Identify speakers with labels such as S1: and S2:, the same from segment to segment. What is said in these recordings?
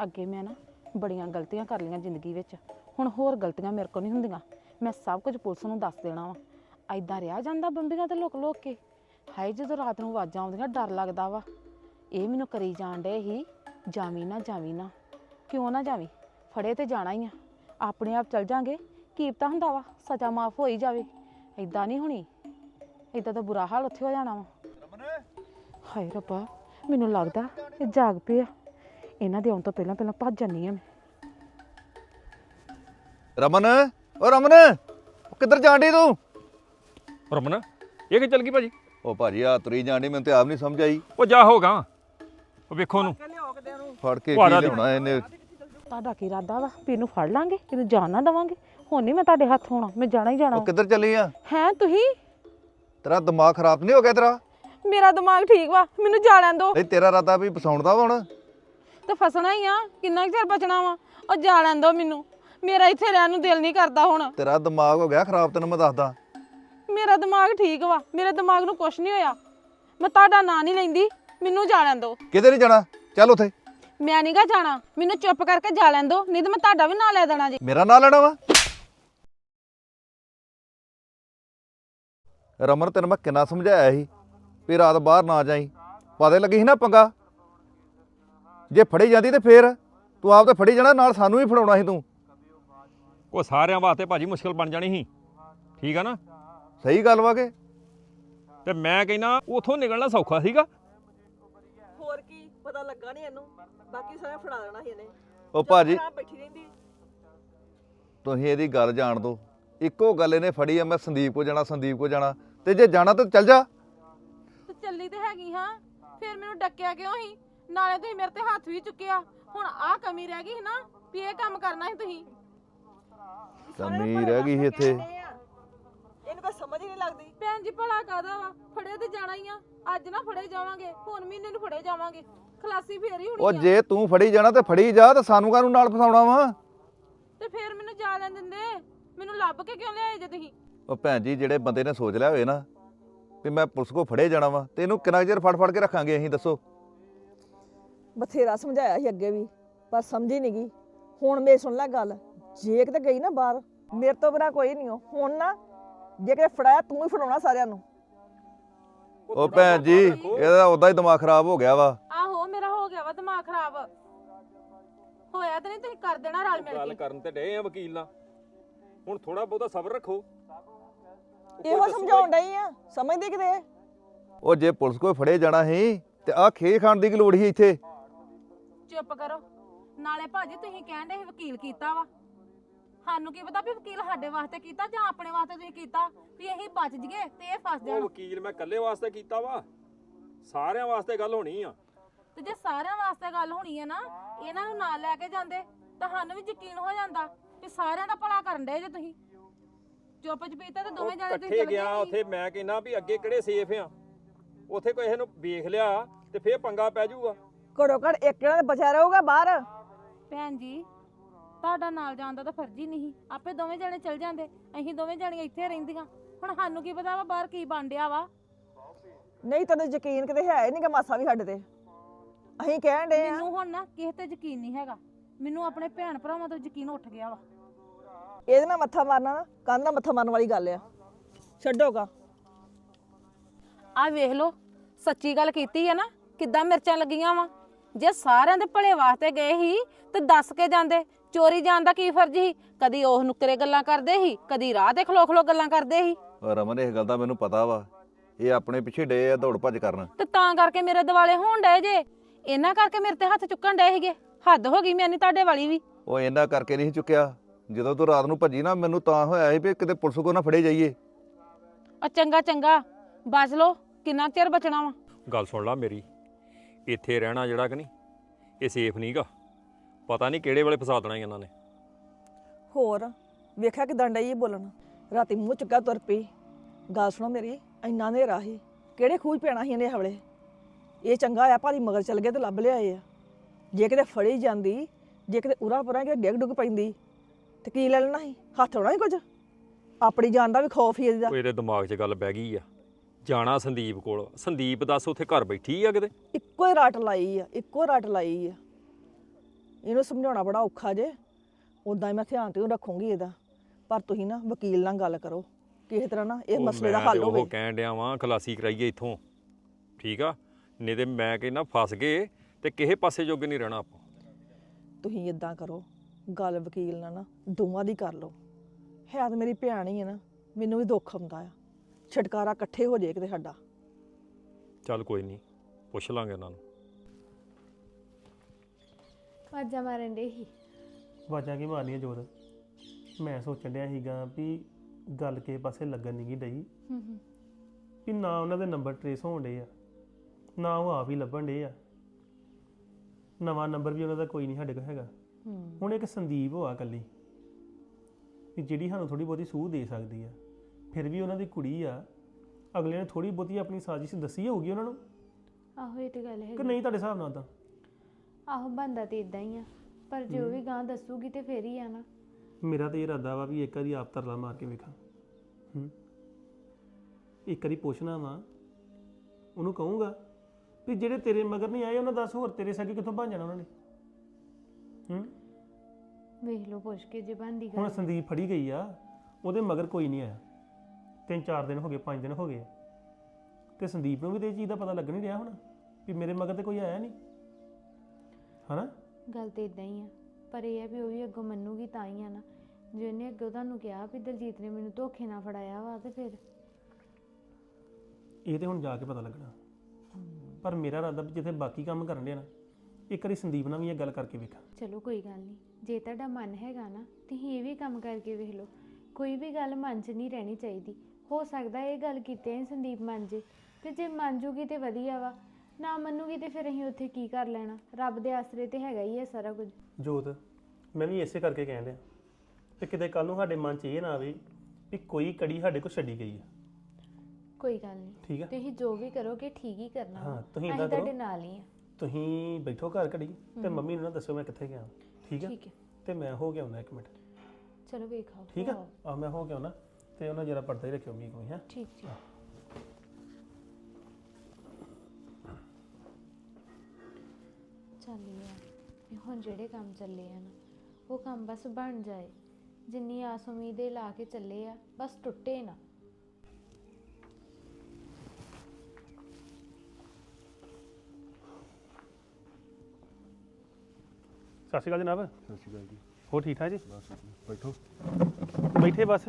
S1: ਅੱਗੇ ਮੈਂ ਨਾ ਬੜੀਆਂ ਗਲਤੀਆਂ ਕਰ ਲਈਆਂ ਜ਼ਿੰਦਗੀ ਵਿੱਚ। ਹੁਣ ਹੋਰ ਗਲਤੀਆਂ ਮੇਰੇ ਕੋਲ ਨਹੀਂ ਹੁੰਦੀਆਂ। ਮੈਂ ਸਭ ਕੁਝ ਪੁਲਿਸ ਨੂੰ ਦੱਸ ਦੇਣਾ ਵਾ। ਐਦਾਂ ਰਿਹਾ ਜਾਂਦਾ ਬੰਬੀਆਂ ਤੇ ਲੁਕ ਲੁਕ ਕੇ। ਹਾਏ ਜਦੋਂ ਰਾਤ ਨੂੰ ਆਵਾਜ਼ਾਂ ਆਉਂਦੀਆਂ ਡਰ ਲੱਗਦਾ ਵਾ। ਇਹ ਮੈਨੂੰ ਕਰੀ ਜਾਣ ਡੇ ਹੀ ਜਾਵੀਂ ਨਾ ਜਾਵੀਂ ਨਾ। ਕਿਉਂ ਨਾ ਜਾਵੀਂ, ਫੜੇ ਤੇ ਜਾਣਾ ਹੀ ਆ। ਆਪਣੇ ਆਪ ਚੱਲ ਜਾਂਗੇ, ਕੀ ਪਤਾ ਹੁੰਦਾ ਵਾ ਸਜ਼ਾ ਮਾਫ ਹੋਈ ਜਾਵੇ। ਐਦਾਂ ਨਹੀਂ ਹੋਣੀ, ਐਦਾਂ ਤਾਂ ਬੁਰਾ ਹਾਲ ਉੱਥੇ ਹੋ ਜਾਣਾ ਵਾ। ਹਾਏ ਰੱਬਾ, ਮੈਨੂੰ ਲੱਗਦਾ ਇਹ ਜਾਗ ਪਏ ਆ। ਇਹਨਾਂ ਦੇ ਆਉਣ ਤੋਂ ਪਹਿਲਾਂ ਪਹਿਲਾਂ ਭੱਜ ਜਾਂਦੀ ਆ ਮੈਂ।
S2: ਰਮਨ, ਓ ਰਮਨ, ਕਿੱਧਰ ਜਾਣ ਡਈ ਤੂੰ?
S3: ਰਮਨ, ਇਹ ਕਿ ਚੱਲ ਗਈ ਭਾਜੀ?
S2: ਉਹ ਭਾਜੀ ਆ ਤੁਰੀ ਜਾਣ ਡਈ, ਮੈਨੂੰ ਤੇ ਆਪ ਨਹੀਂ ਸਮਝ ਆਈ।
S3: ਉਹ ਜਾ ਹੋਗਾ, ਉਹ ਵੇਖੋ ਉਹਨੂੰ
S2: ਫੜ ਕੇ ਕੀ ਲਿਆਉਣਾ ਇਹਨੇ?
S1: ਤੁਹਾਡਾ ਕੀ ਇਰਾਦਾ ਵਾ ਵੀ ਇਹਨੂੰ ਫੜ ਲਾਂਗੇ, ਇਹਨੂੰ ਜਾਣ ਨਾ ਦੇਵਾਂਗੇ? ਹੁਣ ਨਹੀਂ ਮੈਂ ਤੁਹਾਡੇ ਹੱਥ ਹੋਣਾ, ਮੈਂ ਜਾਣਾ ਹੀ ਜਾਣਾ।
S2: ਉਹ ਕਿੱਧਰ ਚੱਲੀ ਆ?
S1: ਹੈ ਤੁਸੀਂ?
S2: ਤੇਰਾ ਦਿਮਾਗ ਖਰਾਬ ਨਹੀਂ ਹੋ ਗਿਆ ਤੇਰਾ?
S1: ਮੇਰਾ ਦਿਮਾਗ ਠੀਕ ਵਾ, ਮੈਨੂੰ ਜਾ ਲੈਣ ਦਿਓ।
S2: ਨਹੀਂ ਤੇਰਾ ਇਰਾਦਾ ਵੀ ਫਸਾਉਣ ਦਾ ਵਾ ਹੁਣ?
S1: ਤੇ ਫਸਣਾ ਹੀ ਆ, ਕਿੰਨਾ ਕੁ ਚਿਰ ਬਚਣਾ ਵਾ। ਉਹ ਜਾ ਲੈਣ ਦਿਓ ਮੈਨੂੰ, ਮੇਰਾ ਇੱਥੇ ਰਹਿਣ ਨੂੰ ਦਿਲ ਨਹੀਂ ਕਰਦਾ ਹੁਣ।
S2: ਤੇਰਾ ਦਿਮਾਗ ਹੋ ਗਿਆ ਖਰਾਬ, ਤੈਨੂੰ ਮੈਂ ਦੱਸਦਾ।
S1: ਮੇਰਾ ਦਿਮਾਗ ਠੀਕ ਵਾ, ਮੇਰੇ ਦਿਮਾਗ ਨੂੰ ਕੁਛ ਨਹੀਂ ਹੋਇਆ। ਮੈਂ ਤੁਹਾਡਾ ਨਾਂ ਨਹੀਂ ਲੈਂਦੀ, ਮੈਨੂੰ ਜਾ ਲੈਣ ਦਿਓ।
S2: ਕਿਤੇ ਨਹੀਂ ਜਾਣਾ, ਚੱਲ ਉੱਥੇ।
S1: ਮੈਂ ਨਹੀਂ ਗਾ ਜਾਣਾ, ਮੈਨੂੰ ਚੁੱਪ ਕਰਕੇ ਜਾ ਲੈਣ ਦਿਓ, ਨਹੀਂ ਤਾਂ ਮੈਂ ਤੁਹਾਡਾ ਵੀ ਨਾਂ ਲੈ ਦੇਣਾ ਜੀ।
S2: ਮੇਰਾ ਨਾਂ ਲੈਣਾ ਵਾ? ਰਮਨ ਤੈਨੂੰ ਮੈਂ ਕਿੰਨਾ ਸਮਝਾਇਆ ਸੀ ਵੀ ਰਾਤ ਬਾਹਰ ਨਾ ਜਾਈ। ਪਤਾ ਲੱਗੀ ਸੀ ਨਾ ਪੰਗਾ। ਜੇ ਫੜੀ ਜਾਂਦੀ ਤੇ ਫੇਰ ਤੂੰ ਆਪ ਤੇ ਫੜੀ ਜਾਣਾ, ਨਾਲ ਸਾਨੂੰ ਵੀ ਫੜਾਉਣਾ ਸੀ ਤੂੰ।
S3: ਉਹ ਸਾਰਿਆਂ ਵਾਸਤੇ ਭਾਜੀ ਮੁਸ਼ਕਲ ਬਣ ਜਾਣੀ ਸੀ, ਠੀਕ ਆ ਨਾ?
S2: ਸਹੀ ਗੱਲ ਵਾ ਕਿ?
S3: ਤੇ ਮੈਂ ਕਹਿੰਦਾ ਉਥੋਂ ਨਿਕਲਣਾ ਸੌਖਾ ਸੀਗਾ।
S4: ਹੋਰ ਕੀ ਪਤਾ ਲੱਗਾ ਨਹੀਂ ਇਹਨੂੰ, ਬਾਕੀ ਸਾਰਾ ਫੜਾ ਦੇਣਾ ਸੀ ਇਹਨੇ।
S2: ਉਹ ਭਾਜੀ
S4: ਬੈਠੀ ਰਹਿੰਦੀ।
S2: ਤੁਸੀਂ ਇਹਦੀ ਗੱਲ ਜਾਣ ਦਿਓ। ਇੱਕੋ ਗੱਲ ਇਹਨੇ ਫੜੀ ਆ, ਮੈਂ ਸੰਦੀਪ ਕੋ ਜਾਣਾ, ਸੰਦੀਪ ਕੋ ਜਾਣਾ। ਤੇ ਜੇ ਜਾਣਾ ਤਾਂ ਚੱਲ ਜਾ।
S1: ਤੇ ਚੱਲੀ ਤੇ ਹੈਗੀ ਹਾਂ, ਫਿਰ ਮੈਨੂੰ ਡੱਕਿਆ ਕਿਉਂ ਸੀ? ਨਾਲੇ ਤੁਸੀਂ ਮੇਰੇ ਤੇ ਹੱਥ ਵੀ ਚੁੱਕਿਆ। ਹੁਣ ਆਹ ਕਮੀ ਰਹਿ ਗਈ ਸੀ ਨਾ ਵੀ ਇਹ ਕੰਮ ਕਰਨਾ ਸੀ ਤੁਸੀਂ।
S2: ਕਮੀ ਰਹਿ ਗਈ ਸੀ ਇੱਥੇ।
S4: ਇਹਨੂੰ ਕੋਈ ਸਮਝ ਹੀ ਨਹੀਂ ਲੱਗਦੀ।
S1: ਭੈਣ ਜੀ ਭਲਾ ਕਾਹਦਾ ਵਾ, ਫੜੇ ਤੇ ਜਾਣਾ ਹੀ ਆ। ਅੱਜ ਨਾ ਫੜੇ ਜਾਵਾਂਗੇ, ਹੁਣ ਮਹੀਨੇ ਨੂੰ ਫੜੇ ਜਾਵਾਂਗੇ, ਖਲਾਸੀ ਫੇਰ ਹੀ ਹੋਣੀ
S2: ਉਹ
S1: ਆ।
S2: ਜੇ ਤੂੰ ਫੜੀ ਜਾਣਾ ਤੇ ਫੜੀ ਜਾ, ਤੇ ਸਾਨੂੰ ਕਾਹਨੂੰ ਨਾਲ ਫਸਾਉਣਾ ਵਾ?
S1: ਤੇ ਫਿਰ ਮੈਨੂੰ ਜਾ ਲੈਣ ਦਿੰਦੇ, ਮੈਨੂੰ ਲੱਭ ਕੇ ਕਿਉਂ ਲਿਆਏ ਜੇ ਤੁਸੀਂ?
S2: ਉਹ ਭੈਣ ਜੀ, ਜਿਹੜੇ ਬੰਦੇ ਨੇ ਸੋਚ ਲਿਆ ਹੋਏ ਨਾ ਵੀ ਮੈਂ ਪੁਲਿਸ ਕੋ ਫੜੇ ਜਾਣਾ ਵਾ, ਤੇ ਇਹਨੂੰ ਕਿੰਨਾ ਚਿਰ ਫੜ ਕੇ ਰੱਖਾਂਗੇ ਅਸੀਂ, ਦੱਸੋ?
S4: ਬਥੇਰਾ ਸਮਝਾਇਆ ਸੀ ਅੱਗੇ ਵੀ, ਪਰ ਸਮਝੀ ਨਹੀਂ ਗਈ। ਹੁਣ ਮੇਰੀ ਸੁਣ ਲੈ ਗੱਲ, ਜੇ ਕਿਤੇ ਗਈ ਨਾ ਬਾਹਰ, ਮੇਰੇ ਤੋਂ ਬਿਨਾਂ ਕੋਈ ਨਹੀਂ ਹੋ। ਹੁਣ ਨਾ ਜੇ ਕਿਤੇ ਫੜਾਇਆ ਤੂੰ ਹੀ ਫੜਾਉਣਾ ਸਾਰਿਆਂ ਨੂੰ।
S2: ਉਹ ਭੈਣ ਜੀ, ਇਹਦਾ ਉਦਾਂ ਹੀ ਦਿਮਾਗ ਖਰਾਬ ਹੋ ਗਿਆ ਵਾ।
S1: ਆਹੋ, ਮੇਰਾ ਹੋ ਗਿਆ ਵਾ ਦਿਮਾਗ ਖਰਾਬ। ਹੋਇਆ ਤਾਂ ਨਹੀਂ, ਤੁਸੀਂ ਕਰ ਦੇਣਾ ਰਲ ਮਿਲ
S3: ਗੱਲ
S1: ਕੇ।
S3: ਕਰਨ ਤੇ ਡਏ ਆ ਵਕੀਲ ਨਾਲ, ਹੁਣ ਥੋੜਾ ਬਹੁਤਾ ਸਬਰ ਰੱਖੋ।
S4: ਇਹੋ ਸਮਝਾਉਣ ਡਈ ਆ, ਸਮਝਦੀ ਕਿਤੇ?
S2: ਉਹ ਜੇ ਪੁਲਿਸ ਕੋ ਫੜੇ ਜਾਣਾ ਸੀ ਤੇ ਆਹ ਖੇ ਖਾਣ ਦੀ ਕੀ ਲੋੜ ਸੀ ਇੱਥੇ?
S1: ਚੁੱਪ ਕਰੋ। ਨਾਲੇ ਭਾਜੀ ਤੁਸੀਂ ਕਹਿੰਦੇ ਸੀ ਵਕੀਲ ਕੀਤਾ ਵਾ, ਸਾਨੂੰ ਕੀ ਪਤਾ ਵੀ ਵਕੀਲ ਸਾਡੇ ਵਾਸਤੇ ਕੀਤਾ ਜਾਂ ਆਪਣੇ ਵਾਸਤੇ ਤੁਸੀਂ ਕੀਤਾ ਵੀ ਅਸੀਂ ਬਚ ਜੀਏ ਤੇ ਇਹ ਫਸ
S3: ਉਹ
S1: ਜਾਣ।
S3: ਵਕੀਲ ਮੈਂ ਇਕੱਲੇ ਵਾਸਤੇ ਕੀਤਾ ਵਾ, ਸਾਰਿਆਂ ਵਾਸਤੇ ਗੱਲ ਹੋਣੀ ਆ।
S1: ਤੇ ਜੇ ਸਾਰਿਆਂ ਵਾਸਤੇ ਗੱਲ ਹੋਣੀ ਹੈ ਨਾ, ਇਹਨਾਂ ਨੂੰ ਨਾਲ ਲੈ ਕੇ ਜਾਂਦੇ ਤਾਂ ਸਾਨੂੰ ਵੀ ਯਕੀਨ ਹੋ ਜਾਂਦਾ ਕਿ ਸਾਰਿਆਂ ਦਾ ਭਲਾ ਕਰਨ ਡਏ ਜੇ ਤੁਸੀਂ। ਚੁੱਪ ਚਪੀਤਾ ਤੇ ਦੋਵੇਂ ਜਾਣੇ ਤੁਸੀਂ
S3: ਇਕੱਠੇ
S1: ਚਲੇ
S3: ਗਿਆ
S1: ਗਏ।
S3: ਉੱਥੇ, ਮੈਂ ਕਹਿੰਦਾ ਵੀ ਅੱਗੇ ਕਿਹੜੇ ਸੇਫ ਆ। ਉੱਥੇ ਕੋਈ ਇਹਨੂੰ ਵੇਖ ਲਿਆ ਤੇ ਫੇਰ ਪੰਗਾ ਪੈ ਜਾਊਗਾ।
S4: ਘੜੋ ਘੜ ਇੱਕ ਜਣਾ ਤਾਂ ਬਚਿਆ ਰਹੂਗਾ ਬਾਹਰ।
S1: ਭੈਣ ਜੀ, ਤੁਹਾਡਾ ਨਾਲ ਜਾਣ ਦਾ ਤਾਂ ਫਰਜ਼ ਹੀ ਨਹੀਂ, ਆਪੇ ਦੋਵੇਂ ਜਾਣੇ ਚਲ ਜਾਂਦੇ। ਅਸੀਂ ਦੋਵੇਂ ਜਾਣੀਆਂ ਇੱਥੇ ਰਹਿੰਦੀਆਂ, ਹੁਣ ਸਾਨੂੰ ਕੀ ਪਤਾ ਵਾ ਬਾਹਰ ਕੀ ਬਣ ਡਿਆ ਵਾ।
S4: ਨਹੀਂ ਤੈਨੂੰ ਯਕੀਨ ਕਿਤੇ ਹੈ ਨਹੀਂ ਗਾ ਮਾਸਾ ਵੀ ਸਾਡੇ ਤੇ। ਅਸੀਂ ਕਹਿਣ ਡਏ ਆ।
S1: ਮੈਨੂੰ ਹੁਣ ਨਾ ਕਿਸੇ ਤੇ ਯਕੀਨ ਨਹੀਂ ਹੈਗਾ, ਮੈਨੂੰ ਆਪਣੇ ਭੈਣ ਭਰਾਵਾਂ ਤੋਂ ਯਕੀਨ ਉੱਠ ਗਿਆ ਵਾ।
S4: ਇਹਦੇ ਨਾਲ ਮੱਥਾ ਮਾਰਨਾ ਨਾ ਕੰਨ ਨਾਲ ਮੱਥਾ ਮਾਰਨ ਵਾਲੀ ਗੱਲ ਆ। ਛੱਡੋਗਾ।
S1: ਆਹ ਵੇਖ ਲੋ, ਸੱਚੀ ਗੱਲ ਕੀਤੀ ਹੈ ਨਾ, ਕਿੱਦਾਂ ਮਿਰਚਾਂ ਲੱਗੀਆਂ ਵਾ। ਜੇ ਸਾਰਿਆਂ ਦੇ ਭਲੇ ਵਾਸਤੇ ਗਏ ਸੀ ਤੇ ਦੱਸ ਕੇ ਜਾਂਦੇ। ਚੋਰੀ ਜਾਣ ਦਾ ਕੀ ਫਰਜ਼ ਸੀ? ਕਦੀ ਉਹ ਨੁਕਰੇ ਗੱਲਾਂ ਕਰਦੇ ਸੀ, ਕਦੀ ਰਾਹ ਤੇ ਖਲੋ ਖਲੋ ਗੱਲਾਂ ਕਰਦੇ ਸੀ।
S2: ਰਮਨ, ਇਸ ਗੱਲ ਦਾ ਮੈਨੂੰ ਪਤਾ ਵਾ, ਇਹ ਆਪਣੇ ਪਿੱਛੇ ਡੇ ਆ ਦੌੜ ਭੱਜ ਕਰਨ।
S1: ਤੇ ਤਾਂ ਕਰਕੇ ਮੇਰੇ ਦਿਵਾਲੇ ਹੋਣ ਡਏ ਜੇ, ਇਹਨਾਂ ਕਰਕੇ ਮੇਰੇ ਤੇ ਹੱਥ ਚੁੱਕਣ ਡਏ ਸੀਗੇ। ਹੱਦ ਹੋ ਗਈ ਮੈਨੀ ਤੁਹਾਡੇ ਵਾਲੀ ਵੀ।
S2: ਉਹ ਇਹਨਾਂ ਕਰਕੇ ਨਹੀਂ ਚੁੱਕਿਆ, ਜਦੋਂ ਤੂੰ ਰਾਤ ਨੂੰ ਭੱਜੀ ਨਾ, ਮੈਨੂੰ ਤਾਂ ਹੋਇਆ ਸੀ ਵੀ ਕਿਤੇ ਪੁਲਿਸ ਕੋ ਨਾ ਫੜੇ ਜਾਈਏ।
S1: ਆ ਚੰਗਾ ਚੰਗਾ ਬਚ ਲੋ, ਕਿੰਨਾ ਚਿਰ ਬਚਣਾ ਵਾ।
S3: ਗੱਲ ਸੁਣ ਲਾ ਮੇਰੀ, ਇੱਥੇ ਰਹਿਣਾ ਜਿਹੜਾ ਕਿ ਨਹੀਂ ਇਹ ਸੇਫ ਨਹੀਂਗਾ। ਪਤਾ ਨਹੀਂ ਕਿਹੜੇ ਵੇਲੇ ਫਸਾ ਦੇਣਾ ਇਹਨਾਂ ਨੇ।
S4: ਹੋਰ ਵੇਖਿਆ ਕਿਦਾਂ ਡਈ ਬੋਲਣ। ਰਾਤੀ ਮੂੰਹ ਚੁੱਕਾ ਤੁਰ ਪਈ। ਗੱਲ ਸੁਣੋ ਮੇਰੀ, ਇੰਨਾ ਹਨੇਰਾ ਸੀ, ਕਿਹੜੇ ਖੂਜ ਪੈਣਾ ਸੀ ਇਹਨੇ ਹਵਲੇ। ਇਹ ਚੰਗਾ ਆ ਭਾਰੀ ਮਗਰ ਚੱਲ ਗਏ ਤੇ ਲੱਭ ਲਿਆਏ ਆ। ਜੇ ਕਿਤੇ ਫੜੀ ਜਾਂਦੀ, ਜੇ ਕਿਤੇ ਉਰਾ ਪਰਾਂ ਕਿ ਡਿੱਗ ਡੁੱਗ ਪੈਂਦੀ ਤੇ ਕੀ ਲੈ ਲੈਣਾ ਸੀ? ਹੱਥ ਹੋਣਾ ਸੀ ਕੁਝ? ਆਪਣੀ ਜਾਨ ਦਾ ਵੀ ਖੌਫ ਹੀ ਇਹਦਾ।
S3: ਉਹ ਇਹਦੇ ਦਿਮਾਗ 'ਚ ਗੱਲ ਬਹਿ ਗਈ ਆ, ਜਾਣਾ ਸੰਦੀਪ ਕੋਲ। ਸੰਦੀਪ ਦੱਸ ਉੱਥੇ ਘਰ ਬੈਠੀ ਆ ਕਿਤੇ?
S4: ਇੱਕੋ ਹੀ ਰੱਟ ਲਾਈ ਆ, ਇੱਕੋ ਰੱਟ ਲਾਈ ਆ। ਇਹਨੂੰ ਸਮਝਾਉਣਾ ਬੜਾ ਔਖਾ ਜੇ। ਉਦਾਂ ਹੀ ਮੈਂ ਧਿਆਨ ਤੇ ਰੱਖੂੰਗੀ ਇਹਦਾ, ਪਰ ਤੁਸੀਂ ਨਾ ਵਕੀਲ ਨਾਲ ਗੱਲ ਕਰੋ ਕਿਸੇ ਤਰ੍ਹਾਂ ਨਾ ਇਹ
S3: ਉਹ
S4: ਮਸਲੇ ਦਾ
S3: ਮੈਂ ਤੇ
S4: ਹੱਲ ਹੋਵੇ।
S3: ਉਹ ਕਹਿਣ ਡਿਆ ਵਾਂ ਖਲਾਸੀ ਕਰਾਈਏ ਇੱਥੋਂ, ਠੀਕ ਆ, ਨਹੀਂ ਤੇ ਮੈਂ ਕਹਿੰਦਾ ਫਸ ਗਏ ਤੇ ਕਿਸੇ ਪਾਸੇ ਜੋਗੇ ਨਹੀਂ ਰਹਿਣਾ ਆਪਾਂ।
S4: ਤੁਸੀਂ ਇਦਾਂ ਕਰੋ, ਗੱਲ ਵਕੀਲ ਨਾਲ ਨਾ ਦੋਵਾਂ ਦੀ ਕਰ ਲਓ। ਹੈ ਤਾਂ ਮੇਰੀ ਭੈਣ ਹੀ ਹੈ ਨਾ, ਮੈਨੂੰ ਵੀ ਦੁੱਖ ਹੁੰਦਾ ਆ, ਛੁਟਕਾਰਾ ਇਕੱਠੇ ਹੋ ਜਾਏ ਕਿਤੇ ਸਾਡਾ।
S3: ਚੱਲ ਕੋਈ ਨਹੀਂ, ਪੁੱਛ ਲਾਂਗੇ ਉਹਨਾਂ ਨੂੰ।
S5: ਵਾਜਾ ਮਾਰਨ ਦੇ ਹੀ
S6: ਆਵਾਜ਼ਾਂ ਕੀ ਮਾਰਨੀਆਂ ਜੋਤ? ਮੈਂ ਸੋਚਣ ਡਿਆ ਸੀਗਾ ਵੀ ਗੱਲ ਕਿਸੇ ਪਾਸੇ ਲੱਗਣ ਨਹੀਂ ਗਈ ਡਈ ਵੀ ਨਾ ਉਹਨਾਂ ਦੇ ਨੰਬਰ ਟਰੇਸ ਹੋਣ ਡੇ ਆ, ਨਾ ਉਹ ਆਪ ਹੀ ਲੱਭਣ ਡੇ ਆ। ਨਵਾਂ ਨੰਬਰ ਵੀ ਉਹਨਾਂ ਦਾ ਕੋਈ ਨਹੀਂ ਸਾਡੇ ਕੋਲ ਹੈਗਾ। ਹੁਣ ਇੱਕ ਸੰਦੀਪ ਹੋਆ ਇਕੱਲੀ ਵੀ ਜਿਹੜੀ ਸਾਨੂੰ ਥੋੜੀ ਬਹੁਤੀ ਸੂਹ ਦੇ ਸਕਦੀ ਆ। ਫਿਰ ਵੀ ਉਹਨਾਂ ਦੀ ਕੁੜੀ ਆ, ਅਗਲੇ ਨੇ ਥੋੜੀ ਬਹੁਤੀ ਆਪਣੀ ਸਾਜ਼ਿਸ਼ ਦੱਸੀ ਹੋਊਗੀ ਉਹਨਾਂ ਨੂੰ
S5: ਆਹੋ ਇਹ ਤੇ ਗੱਲ ਹੈ
S6: ਕਿ ਨਹੀਂ ਤੁਹਾਡੇ ਹਿਸਾਬ ਨਾਲ ਤਾਂ?
S5: ਆਹੋ ਬੰਦਾ ਤੇ ਇਦਾਂ ਹੀ ਆ, ਪਰ ਜੇ ਉਹ ਵੀ ਗਾਂ ਦੱਸੂਗੀ ਤੇ ਫੇਰ ਹੀ ਆ ਨਾ।
S6: ਮੇਰਾ ਤਾਂ ਇਹ ਇਰਾਦਾ ਵਾ ਵੀ ਇੱਕ ਵਾਰੀ ਆਪ ਤਰਲਾ ਮਾਰ ਕੇ ਵੇਖਾਂ। ਇੱਕ ਵਾਰੀ ਪੁੱਛਣਾ ਵਾ, ਉਹਨੂੰ ਕਹੂੰਗਾ ਵੀ ਜਿਹੜੇ ਤੇਰੇ ਮਗਰ ਨਹੀਂ ਆਏ ਉਹਨਾਂ ਦੱਸ ਹੋਰ ਤੇਰੇ ਸਕੇ ਕਿੱਥੋਂ ਬਣ ਜਾਣਾ ਉਹਨਾਂ ਨੇ।
S5: ਵੇਖ ਲਓ ਪੁੱਛ ਕੇ ਜੇ ਬੰਦੀ
S6: ਹੁਣ
S5: ਗੱਲ।
S6: ਸੰਦੀਪ ਫੜੀ ਗਈ ਆ, ਉਹਦੇ ਮਗਰ ਕੋਈ ਨਹੀਂ ਆਇਆ। 3-4 ਦਿਨ ਹੋ ਗਏ, 5 ਦਿਨ ਹੋ ਗਏ ਤੇ ਸੰਦੀਪ ਨੂੰ ਵੀ ਤੇ ਇਹ ਚੀਜ਼ ਦਾ ਪਤਾ ਲੱਗ ਨਹੀਂ ਰਿਹਾ ਹੁਣ ਵੀ ਮੇਰੇ ਮਗਰ ਤੇ ਕੋਈ ਆਇਆ ਨਹੀਂ, ਹਨਾ?
S5: ਗੱਲ ਤੇ ਇਦਾਂ ਹੀ ਆ, ਪਰ ਇਹ ਆ ਵੀ ਉਹ ਵੀ ਅੱਗੋਂ ਮੰਨੂਗੀ ਤਾਂ ਹੀ ਆ ਨਾ। ਜੇ ਉਹਨੇ ਅੱਗੋਂ ਤੁਹਾਨੂੰ ਕਿਹਾ ਵੀ ਦਲਜੀਤ ਨੇ ਮੈਨੂੰ ਧੋਖੇ ਨਾਲ ਫੜਾਇਆ ਵਾ ਤੇ ਫਿਰ
S6: ਇਹ ਤੇ ਹੁਣ ਜਾ ਕੇ ਪਤਾ ਲੱਗਣਾ। ਪਰ ਮੇਰਾ ਇਰਾਦਾ ਵੀ ਜਿੱਥੇ ਬਾਕੀ ਕੰਮ ਕਰਨ ਡਿਆ ਨਾ, ਇੱਕ ਵਾਰੀ ਸੰਦੀਪ ਨਾਲ ਵੀ ਇਹ ਗੱਲ ਕਰਕੇ ਵੇਖਾਂ।
S5: ਚਲੋ ਕੋਈ ਗੱਲ ਨਹੀਂ, ਜੇ ਤੁਹਾਡਾ ਮਨ ਹੈਗਾ ਨਾ ਤੁਸੀਂ ਇਹ ਵੀ ਕੰਮ ਕਰਕੇ ਵੇਖ ਲਓ। ਕੋਈ ਵੀ ਗੱਲ ਮਨ 'ਚ ਨਹੀਂ ਰਹਿਣੀ ਚਾਹੀਦੀ। ਹੋ ਸਕਦਾ ਇਹ ਗੱਲ ਕੀਤੇ ਸੰਦੀਪ ਮੰਨ ਜੇ, ਤੇ ਜੇ ਮੰਨ ਜੂਗੀ ਤੇ ਵਧੀਆ ਵਾ, ਨਾ ਮੰਨੂਗੀ ਤੇ ਫਿਰ ਅਸੀਂ ਉੱਥੇ ਕੀ ਕਰ ਲੈਣਾ। ਰੱਬ ਦੇ ਆਸਰੇ ਤੇ ਹੈਗਾ ਹੀ ਹੈ ਸਾਰਾ ਕੁਝ।
S6: ਜੋਤ, ਮੈਂ ਵੀ ਇਸੇ ਕਰਕੇ ਕਹਿਣ ਡਿਆ ਤੇ ਕਿਤੇ ਕੱਲ ਨੂੰ ਸਾਡੇ ਮਨ 'ਚ ਇਹ ਨਾ ਆਵੇ ਵੀ ਕੋਈ ਕੜੀ ਸਾਡੇ ਕੋਲ ਛੱਡੀ ਗਈ ਆ।
S5: ਕੋਈ ਗੱਲ ਨਹੀਂ,
S6: ਠੀਕ ਆ?
S5: ਤੁਸੀਂ ਜੋ ਵੀ ਕਰੋਗੇ ਠੀਕ ਹੀ ਕਰਨਾ ਵਾ।
S6: ਹਾਂ, ਤੁਸੀਂ
S5: ਅਸੀਂ
S6: ਏਦਾਂ ਕਰੋ।
S5: ਤੁਹਾਡੇ ਨਾਲ ਹੀ ਆ।
S6: ਤੁਸੀਂ ਬੈਠੋ ਘਰ ਘੜੀ ਤੇ ਮੰਮੀ ਨੂੰ ਨਾ ਦੱਸੋ ਮੈਂ ਕਿੱਥੇ ਗਿਆ। ਠੀਕ ਆ?
S5: ਠੀਕ ਹੈ,
S6: ਤੇ ਮੈਂ ਹੋ ਕੇ ਆਉਣਾ 1 ਮਿੰਟ।
S5: ਚਲੋ ਵੇਖਾਓ।
S6: ਠੀਕ ਆ? ਆ ਮੈਂ ਹੋ ਕੇ ਆਉਣਾ ਤੇ ਉਹਨਾਂ ਜਰਾ ਪਰਦਾ ਹੀ ਰੱਖਿਓ ਮੀ ਕੋਈ। ਹੈ
S5: ਠੀਕ ਠੀਕ। ਚੱਲ ਯਾਰ, ਹੁਣ ਜਿਹੜੇ ਕੰਮ ਚੱਲੇ ਆ ਨਾ, ਉਹ ਕੰਮ ਬਸ ਬਣ ਜਾਏ। ਜਿੰਨੀ ਆਸ ਉਮੀਦੇ ਲਾ ਕੇ ਚੱਲੇ ਆ, ਬਸ ਟੁੱਟੇ ਨਾ।
S6: ਸਤਿ ਸ਼੍ਰੀ ਅਕਾਲ ਜਨਾਬ।
S2: ਸਤਿ ਸ਼੍ਰੀ ਅਕਾਲ ਜੀ।
S6: ਹੋਰ ਠੀਕ ਠਾਕ ਜੀ?
S2: ਬਸ ਬੈਠੋ।
S6: ਬੈਠੇ ਬਸ।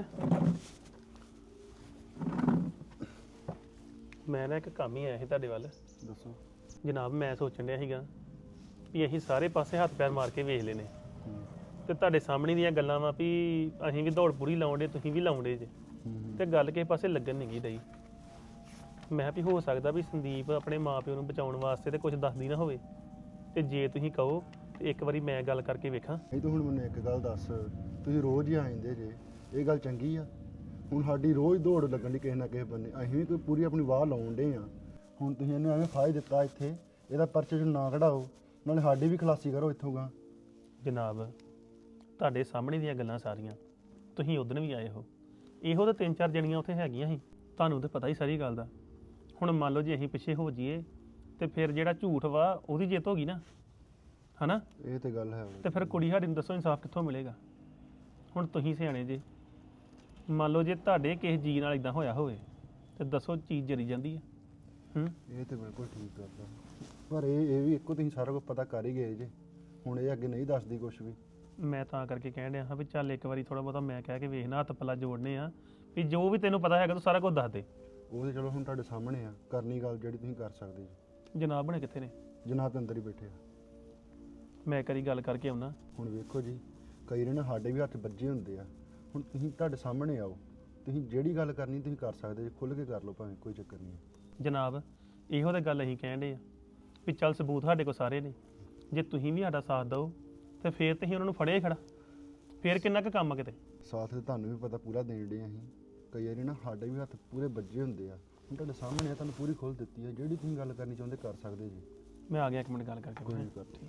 S6: ਮੈਂ ਨਾ ਇੱਕ ਕੰਮ ਹੀ ਆਇਆ ਸੀ ਤੁਹਾਡੇ ਵੱਲ।
S2: ਦੱਸੋ।
S6: ਜਨਾਬ ਮੈਂ ਸੋਚਣ ਡਿਆ ਸੀਗਾ ਵੀ ਅਸੀਂ ਸਾਰੇ ਪਾਸੇ ਹੱਥ ਪੈਰ ਮਾਰ ਕੇ ਵੇਖ ਲੈਨੇ ਤੇ ਤੁਹਾਡੇ ਸਾਹਮਣੇ ਦੀਆਂ ਗੱਲਾਂ ਵਾ ਵੀ ਅਸੀਂ ਵੀ ਦੌੜ ਪੂਰੀ ਲਾਉਂਦੇ, ਤੁਸੀਂ ਵੀ ਲਾਉਂਦੇ ਜੇ, ਤੇ ਗੱਲ ਕਿਸੇ ਪਾਸੇ ਲੱਗਣ ਨਹੀਂ ਗਈ ਡਈ। ਮੈਂ ਵੀ ਹੋ ਸਕਦਾ ਵੀ ਸੰਦੀਪ ਆਪਣੇ ਮਾਪਿਓ ਨੂੰ ਬਚਾਉਣ ਵਾਸਤੇ ਤੇ ਕੁਝ ਦੱਸਦੀ ਨਾ ਹੋਵੇ, ਤੇ ਜੇ ਤੁਸੀਂ ਕਹੋ ਤੇ ਇੱਕ ਵਾਰੀ ਮੈਂ ਗੱਲ ਕਰਕੇ ਵੇਖਾਂ।
S7: ਇਹ ਤਾਂ ਹੁਣ ਮੈਨੂੰ ਇੱਕ ਗੱਲ ਦੱਸ, ਤੁਸੀਂ ਰੋਜ਼ ਹੀ ਆਇੰਦੇ ਜੇ, ਇਹ ਗੱਲ ਚੰਗੀ ਆ? ਹੁਣ ਸਾਡੀ ਰੋਜ਼ ਦੌੜ ਲੱਗਣ ਦੀ ਕਿਸੇ ਨਾ ਕਿਸੇ ਬੰਨੇ, ਅਸੀਂ ਵੀ ਕੋਈ ਪੂਰੀ ਆਪਣੀ ਵਾਹ ਲਾਉਣ ਡੇ ਆ। ਹੁਣ ਤੁਸੀਂ ਇਹਨੂੰ ਐਵੇਂ ਫਾਇਦਾ ਦਿੱਤਾ ਇੱਥੇ, ਇਹਦਾ ਪਰਚੇ 'ਚ ਨਾ ਕਢਾਓ, ਨਾਲੇ ਸਾਡੀ ਵੀ ਖਲਾਸੀ ਕਰੋ ਇੱਥੋਂ ਗਾ।
S6: ਜਨਾਬ ਤੁਹਾਡੇ ਸਾਹਮਣੇ ਦੀਆਂ ਗੱਲਾਂ ਸਾਰੀਆਂ, ਤੁਸੀਂ ਉਦਣ ਵੀ ਆਏ ਹੋ, ਇਹੋ ਤਾਂ 3-4 ਜਣੀਆਂ ਉੱਥੇ ਹੈਗੀਆਂ ਸੀ, ਤੁਹਾਨੂੰ ਤਾਂ ਪਤਾ ਹੀ ਸਾਰੀ ਗੱਲ ਦਾ। ਹੁਣ ਮੰਨ ਲਓ ਜੇ ਅਸੀਂ ਪਿੱਛੇ ਹੋ ਜਾਈਏ ਤੇ ਫਿਰ ਜਿਹੜਾ ਝੂਠ ਵਾ ਉਹਦੀ ਜਿੱਤ ਹੋ ਗਈ ਨਾ, ਹਨਾ?
S7: ਇਹ ਤੇ ਗੱਲ ਹੈ।
S6: ਤੇ ਫਿਰ ਕੁੜੀ ਸਾਡੀ ਨੂੰ ਦੱਸੋ ਇਨਸਾਫ ਕਿੱਥੋਂ ਮਿਲੇਗਾ? ਹੁਣ ਤੁਸੀਂ ਸਿਆਣੇ ਜੇ, ਮੰਨ ਲਓ ਜੇ ਤੁਹਾਡੇ ਕਿਸੇ ਜੀ ਨਾਲ ਇਦਾਂ ਹੋਇਆ ਹੋਵੇ ਤੇ ਦੱਸੋ ਚੀਜ਼ ਜਰੀ ਜਾਂਦੀ ਹੈ।
S7: ਇਹ ਤੇ ਬਿਲਕੁਲ ਠੀਕ ਗੱਲ ਆ, ਪਰ ਇਹ ਵੀ ਇੱਕੋ ਤੁਸੀਂ ਸਾਰਾ ਕੁਝ ਪਤਾ ਕਰ ਹੀ ਗਏ ਜੇ, ਹੁਣ ਇਹ ਅੱਗੇ ਨਹੀਂ ਦੱਸਦੀ ਕੁਝ ਵੀ।
S6: ਮੈਂ ਤਾਂ ਕਰਕੇ ਕਹਿਣ ਡਿਆ ਹਾਂ ਵੀ ਚੱਲ ਇੱਕ ਵਾਰੀ ਥੋੜਾ ਬਹੁਤਾ ਮੈਂ ਕਹਿ ਕੇ ਵੇਖਣਾ, ਹੱਥ ਪੱਲਾ ਜੋੜਨੇ ਆ ਵੀ ਜੋ ਵੀ ਤੈਨੂੰ ਪਤਾ ਹੈਗਾ ਤੂੰ ਸਾਰਾ ਕੁਝ ਦੱਸ ਦੇ।
S7: ਉਹ ਤੇ ਚਲੋ ਹੁਣ ਤੁਹਾਡੇ ਸਾਹਮਣੇ ਆ, ਕਰਨੀ ਗੱਲ ਜਿਹੜੀ ਤੁਸੀਂ ਕਰ ਸਕਦੇ ਜੀ।
S6: ਜਨਾਬ ਬਣੇ ਕਿੱਥੇ ਨੇ?
S7: ਜਨਾਬ ਦੇ ਅੰਦਰ ਹੀ ਬੈਠੇ ਆ।
S6: ਮੈਂ ਇੱਕ ਵਾਰੀ ਗੱਲ ਕਰਕੇ ਆਉਣਾ।
S7: ਹੁਣ ਵੇਖੋ ਜੀ, ਕਈ ਨੇ ਸਾਡੇ ਵੀ ਹੱਥ ਵੱਜੇ ਹੁੰਦੇ ਆ, ਹੁਣ ਤੁਸੀਂ ਤੁਹਾਡੇ ਸਾਹਮਣੇ ਆਓ, ਤੁਸੀਂ ਜਿਹੜੀ ਗੱਲ ਕਰਨੀ ਤੁਸੀਂ ਕਰ ਸਕਦੇ ਜੀ, ਖੁੱਲ੍ਹ ਕੇ ਕਰ ਲਓ ਭਾਵੇਂ, ਕੋਈ ਚੱਕਰ ਨਹੀਂ ਹੈ।
S6: ਜਨਾਬ ਇਹੋ ਤਾਂ ਗੱਲ ਅਸੀਂ ਕਹਿਣ ਡੇ ਆ ਵੀ ਚੱਲ ਸਬੂਤ ਸਾਡੇ ਕੋਲ ਸਾਰੇ ਨੇ, ਜੇ ਤੁਸੀਂ ਵੀ ਸਾਡਾ ਸਾਥ ਦਿਓ ਤੇ ਫੇਰ ਤੁਸੀਂ ਉਹਨਾਂ ਨੂੰ ਫੜਿਆ ਹੀ ਖੜਾ, ਫੇਰ ਕਿੰਨਾ ਕੁ ਕੰਮ ਆ ਕਿਤੇ।
S7: ਸਾਥ ਤੇ ਤੁਹਾਨੂੰ ਵੀ ਪਤਾ ਪੂਰਾ ਦੇਣ ਡੇ ਅਸੀਂ, ਕਈ ਵਾਰੀ ਨਾ ਸਾਡੇ ਵੀ ਹੱਥ ਪੂਰੇ ਵੱਜੇ ਹੁੰਦੇ ਆ। ਹੁਣ ਤੁਹਾਡੇ ਸਾਹਮਣੇ ਆ, ਤੁਹਾਨੂੰ ਪੂਰੀ ਖੁੱਲ੍ਹ ਦਿੱਤੀ ਹੈ, ਜਿਹੜੀ ਤੁਸੀਂ ਗੱਲ ਕਰਨੀ ਚਾਹੁੰਦੇ ਕਰ ਸਕਦੇ ਜੀ।
S6: ਮੈਂ ਆ ਗਿਆ 1 ਮਿੰਟ ਗੱਲ ਕਰਕੇ।
S7: ਕੋਈ ਨਹੀਂ ਕਰਦੀ।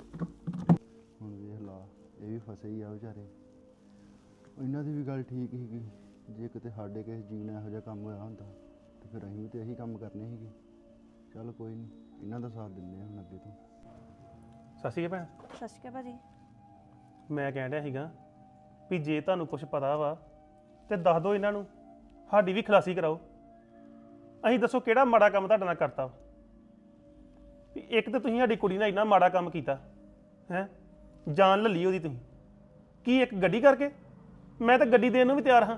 S7: ਹੁਣ ਵੇਖ ਲਾ, ਇਹ ਵੀ ਫਸੇ ਹੀ ਆ ਵਿਚਾਰੇ। ਇਹਨਾਂ ਦੀ ਵੀ ਗੱਲ ਠੀਕ ਸੀਗੀ, ਜੇ ਕਿਤੇ ਸਾਡੇ ਕਿਸੇ ਜੀਵ ਨੇ ਇਹੋ ਜਿਹਾ ਕੰਮ ਹੋਇਆ ਹੁੰਦਾ ਤੇ ਫਿਰ ਅਸੀਂ ਵੀ ਤੇ ਇਹੀ ਕੰਮ ਕਰਨੇ ਸੀਗੇ। ਚੱਲ ਕੋਈ ਨਹੀਂ, ਇਹਨਾਂ ਦਾ ਸਾਥ ਦਿੰਦੇ ਹਾਂ ਹੁਣ ਅੱਗੇ ਤੋਂ।
S6: ਸਤਿ ਸ਼੍ਰੀ ਅਕਾਲ
S8: ਸਤਿ ਸ਼੍ਰੀ ਅਕਾਲ ਭਾਜੀ।
S6: ਭੈਣ ਮੈਂ ਕਹਿਣ ਡਿਆ ਸੀਗਾ ਵੀ ਜੇ ਤੁਹਾਨੂੰ ਕੁਝ ਪਤਾ ਵਾ ਤੇ ਦੱਸ ਦਿਓ ਇਹਨਾਂ ਨੂੰ, ਸਾਡੀ ਵੀ ਖਲਾਸੀ ਕਰਾਓ। ਅਸੀਂ ਦੱਸੋ ਕਿਹੜਾ ਮਾੜਾ ਕੰਮ ਤੁਹਾਡੇ ਨਾਲ ਕਰਤਾ ਵਾ? ਵੀ ਇੱਕ ਤਾਂ ਤੁਸੀਂ ਸਾਡੀ ਕੁੜੀ ਨਾਲ ਇੰਨਾ ਮਾੜਾ ਕੰਮ ਕੀਤਾ ਹੈ, ਜਾਨ ਲੱਲੀ ਉਹਦੀ ਤੁਸੀਂ। ਕੀ ਇੱਕ ਗੱਡੀ ਕਰਕੇ? ਮੈਂ ਤਾਂ ਗੱਡੀ ਦੇਣ ਨੂੰ ਵੀ ਤਿਆਰ ਹਾਂ।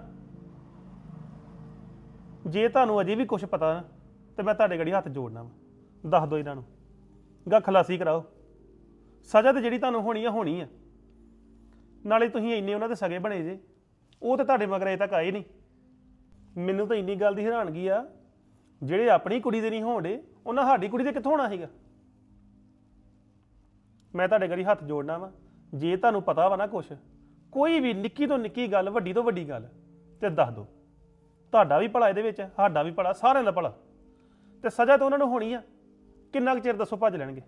S6: ਜੇ ਤੁਹਾਨੂੰ ਅਜੇ ਵੀ ਕੁਝ ਪਤਾ ਨਾ ਤੇ ਮੈਂ ਤੁਹਾਡੇ ਗੜੀ ਹੱਥ ਜੋੜਨਾ ਵਾ। ਦੱਸ ਦਿਓ ਇਹਨਾਂ ਨੂੰ, ਗਾ ਖਲਾਸੀ ਕਰਾਓ। ਸਜ਼ਾ ਤੇ ਜਿਹੜੀ ਤੁਹਾਨੂੰ ਹੋਣੀ ਆ। ਨਾਲੇ ਤੁਸੀਂ ਇੰਨੇ ਉਹਨਾਂ ਦੇ ਸਗੇ ਬਣੇ ਜੇ, ਉਹ ਤੇ ਤੁਹਾਡੇ ਮਗਰ ਅਜੇ ਤੱਕ ਆਏ ਨਹੀਂ। ਮੈਨੂੰ ਤਾਂ ਇੰਨੀ ਗੱਲ ਦੀ ਹੈਰਾਨਗੀ ਆ, ਜਿਹੜੇ ਆਪਣੀ ਕੁੜੀ ਦੇ ਨਹੀਂ ਹੋਣਦੇ ਉਹਨਾਂ ਸਾਡੀ ਕੁੜੀ ਦੇ ਕਿੱਥੋਂ ਹੋਣਾ ਸੀਗਾ? ਮੈਂ ਤੁਹਾਡੇ ਗੜੀ ਹੱਥ ਜੋੜਨਾ ਵਾ। ਜੇ ਤੁਹਾਨੂੰ ਪਤਾ ਵਾ ਨਾ ਕੁਛ, ਕੋਈ ਵੀ ਨਿੱਕੀ ਤੋਂ ਨਿੱਕੀ ਗੱਲ, ਵੱਡੀ ਤੋਂ ਵੱਡੀ ਗੱਲ, ਤੇ ਦੱਸ ਦਿਓ। ਤੁਹਾਡਾ ਵੀ ਭਲਾ ਇਹਦੇ ਵਿੱਚ, ਸਾਡਾ ਵੀ ਭਲਾ, ਸਾਰਿਆਂ ਦਾ ਭਲਾ। ਤੇ ਸਜ਼ਾ ਤਾਂ ਉਹਨਾਂ ਨੂੰ ਹੋਣੀ ਆ। ਕਿੰਨਾ ਕੁ ਚਿਰ ਦੱਸੋ ਭੱਜ ਲੈਣਗੇ?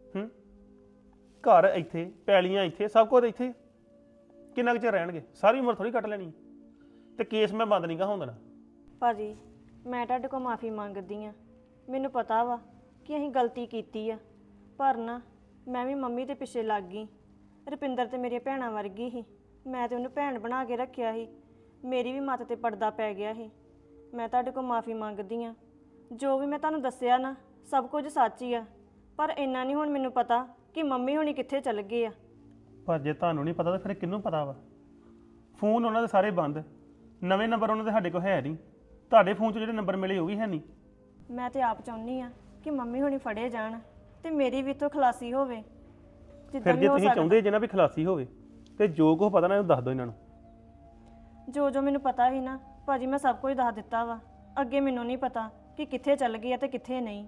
S6: ਘਰ ਇੱਥੇ, ਪੈਲੀਆਂ ਇੱਥੇ, ਸਭ ਕੁਝ ਇੱਥੇ, ਕਿੰਨਾ ਕੁ ਚਿਰ ਰਹਿਣਗੇ? ਸਾਰੀ ਉਮਰ ਥੋੜੀ ਕੱਟ ਲੈਣੀ। ਤੇ ਕੇਸ ਮੈਂ ਬੰਦ ਨਹੀਂ ਗਾ ਹੋਣ ਦੇਣਾ।
S8: ਭਾਜੀ ਮੈਂ ਤੁਹਾਡੇ ਕੋਲ ਮਾਫੀ ਮੰਗਦੀ ਆ। ਮੈਨੂੰ ਪਤਾ ਵਾ ਕਿ ਅਸੀਂ ਗਲਤੀ ਕੀਤੀ ਆ, ਪਰ ਨਾ ਮੈਂ ਵੀ ਮੰਮੀ ਦੇ ਪਿੱਛੇ ਲੱਗ ਗਈ। ਰੁਪਿੰਦਰ ਤੇ ਮੇਰੀਆਂ ਭੈਣਾਂ ਵਰਗੀ ਸੀ, ਮੈਂ ਤੇ ਉਹਨੂੰ ਭੈਣ ਬਣਾ ਕੇ ਰੱਖਿਆ ਸੀ। ਮੇਰੀ ਵੀ ਮੱਤ ਤੇ ਪਰਦਾ ਪੈ ਗਿਆ ਸੀ। ਮੈਂ ਤੁਹਾਡੇ ਕੋਲ ਮਾਫੀ ਮੰਗਦੀ ਆ। ਜੋ ਵੀ ਮੈਂ ਤੁਹਾਨੂੰ ਦੱਸਿਆ ਨਾ, ਸਭ ਕੁਝ ਸੱਚ ਹੀ ਆ, ਪਰ ਇੰਨਾ ਨਹੀਂ ਹੁਣ ਮੈਨੂੰ ਪਤਾ ਕਿ ਮੰਮੀ ਹੁਣੀ ਕਿੱਥੇ ਚੱਲ ਗਏ ਆ।
S6: ਪਰ ਜੇ ਤੁਹਾਨੂੰ ਨਹੀਂ ਪਤਾ ਤਾਂ ਫਿਰ ਕਿਹਨੂੰ ਪਤਾ ਵਾ? ਫੋਨ ਉਹਨਾਂ ਦੇ ਸਾਰੇ ਬੰਦ, ਨਵੇਂ ਨੰਬਰ ਉਹਨਾਂ ਦੇ ਸਾਡੇ ਕੋਲ ਹੈ ਨਹੀਂ। ਤੁਹਾਡੇ ਫੋਨ 'ਚ ਜਿਹੜੇ ਨੰਬਰ ਮਿਲੇ ਉਹ ਵੀ ਹੈ ਨਹੀਂ।
S8: ਮੈਂ ਤੇ ਆਪ ਚਾਹੁੰਦੀ ਆ ਕਿ ਮੰਮੀ ਹੁਣੀ ਫੜੇ ਜਾਣ ਤੇ ਮੇਰੀ ਵੀ ਤੋਂ ਖਲਾਸੀ ਹੋਵੇ।
S6: ਫਿਰ ਜੇ ਤੁਸੀਂ ਚਾਹੁੰਦੇ ਜੇ ਨਾ ਵੀ ਖਲਾਸੀ ਹੋਵੇ, ਤੇ ਜੋ ਕੁਛ ਪਤਾ ਨਾ ਇਹਨੂੰ ਦੱਸ ਦਿਓ ਇਹਨਾਂ ਨੂੰ।
S8: ਜੋ ਮੈਨੂੰ ਪਤਾ ਸੀ ਨਾ ਭਾਜੀ, ਮੈਂ ਸਭ ਕੁਝ ਦੱਸ ਦਿੱਤਾ ਵਾ। ਅੱਗੇ ਮੈਨੂੰ ਨਹੀਂ ਪਤਾ ਕਿ ਕਿੱਥੇ ਚੱਲ ਗਈ ਆ ਤੇ ਕਿੱਥੇ ਨਹੀਂ।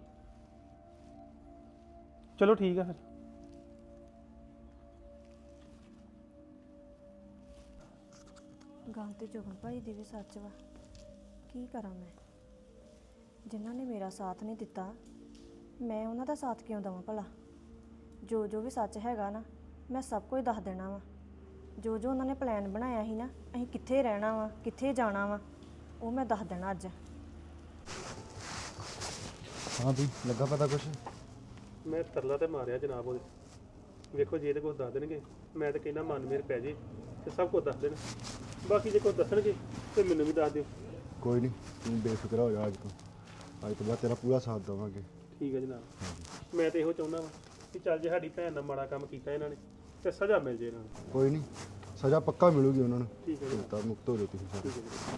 S6: ਚਲੋ ਠੀਕ ਆ ਫਿਰ।
S8: ਗੱਲ ਤੇ ਜੋਬਨ ਭਾਈ ਦੀ ਵੀ ਸੱਚ ਵਾ। ਕੀ ਕਰਾਂ ਮੈਂ? ਜਿਨ੍ਹਾਂ ਨੇ ਮੇਰਾ ਸਾਥ ਨਹੀਂ ਦਿੱਤਾ, ਮੈਂ ਉਹਨਾਂ ਦਾ ਸਾਥ ਕਿਉਂ ਦੇਵਾਂ ਭਲਾ? ਜੋ ਵੀ ਸੱਚ ਹੈਗਾ ਨਾ, ਮੈਂ ਸਭ ਕੁਝ ਦੱਸ ਦੇਣਾ ਵਾ। ਜੋ ਉਹਨਾਂ ਨੇ ਪਲਾਨ ਬਣਾਇਆ ਸੀ ਨਾ, ਅਸੀਂ ਕਿੱਥੇ ਰਹਿਣਾ ਵਾ, ਕਿੱਥੇ ਜਾਣਾ ਵਾ, ਉਹ ਮੈਂ ਦੱਸ ਦੇਣਾ ਅੱਜ।
S7: ਹਾਂ ਬਈ, ਲੱਗਾ ਪਤਾ ਕੁਛ?
S6: ਮੈਂ ਤਰਲਾ ਤੇ ਮਾਰਿਆ ਜਨਾਬ ਉਹਦੇ। ਵੇਖੋ ਜੇ ਤੇ ਕੁਝ ਦੱਸ ਦੇਣਗੇ, ਮੈਂ ਤਾਂ ਕਹਿੰਦਾ ਮਨ ਮੇਰ ਪੈ ਜੇ ਤੇ ਸਭ ਕੁਝ ਦੱਸ ਦੇਣ। ਬਾਕੀ ਜੇ ਕੁਝ ਦੱਸਣਗੇ ਤੇ ਮੈਨੂੰ ਵੀ ਦੱਸ ਦਿਓ।
S7: ਕੋਈ ਨਹੀਂ, ਤੂੰ ਬੇਫਿਕਰ ਹੋ ਜਾ। ਅੱਜ ਤੋਂ ਬਾਅਦ ਤੇਰਾ ਪੂਰਾ ਸਾਥ ਦੇਵਾਂਗੇ।
S6: ਠੀਕ ਹੈ ਜਨਾਬ। ਮੈਂ ਤੇ ਇਹੋ ਚਾਹੁੰਦਾ ਵਾਂ ਕਿ ਚੱਲ ਜੇ ਸਾਡੀ ਭੈਣ ਨਾਲ ਮਾੜਾ ਕੰਮ ਕੀਤਾ ਇਹਨਾਂ ਨੇ ਤੇ ਸਜ਼ਾ ਮਿਲ ਜੇ ਇਹਨਾਂ ਨੂੰ।
S7: ਕੋਈ ਨਹੀਂ, ਸਜ਼ਾ ਪੱਕਾ ਮਿਲੂਗੀ ਉਹਨਾਂ ਨੂੰ।
S6: ਠੀਕ ਹੈ ਜੀ।
S7: ਤਾਂ ਮੁਕਤ ਹੋ ਜਾਓ ਤੁਸੀਂ ਸਾਰੇ।
S6: ਠੀਕ ਹੈ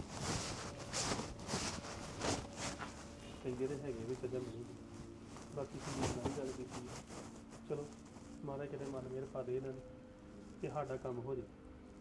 S6: ਜੀ। ਕਹਿੰਦੇ ਤੇ ਹੈਗੇ ਵੀ ਸਜ਼ਾ ਮਿਲੂਗੀ। ਬਾਕੀ ਤੁਸੀਂ ਨਾਲ ਗੱਲ ਕੀਤੀ ਹੈ। ਚਲੋ ਮਾਰਾ ਕਿਤੇ ਮਨ ਮੇਰ ਪਾ ਦੇ ਇਹਨਾਂ ਨੇ ਕਿ ਸਾਡਾ ਕੰਮ ਹੋ ਜੇ।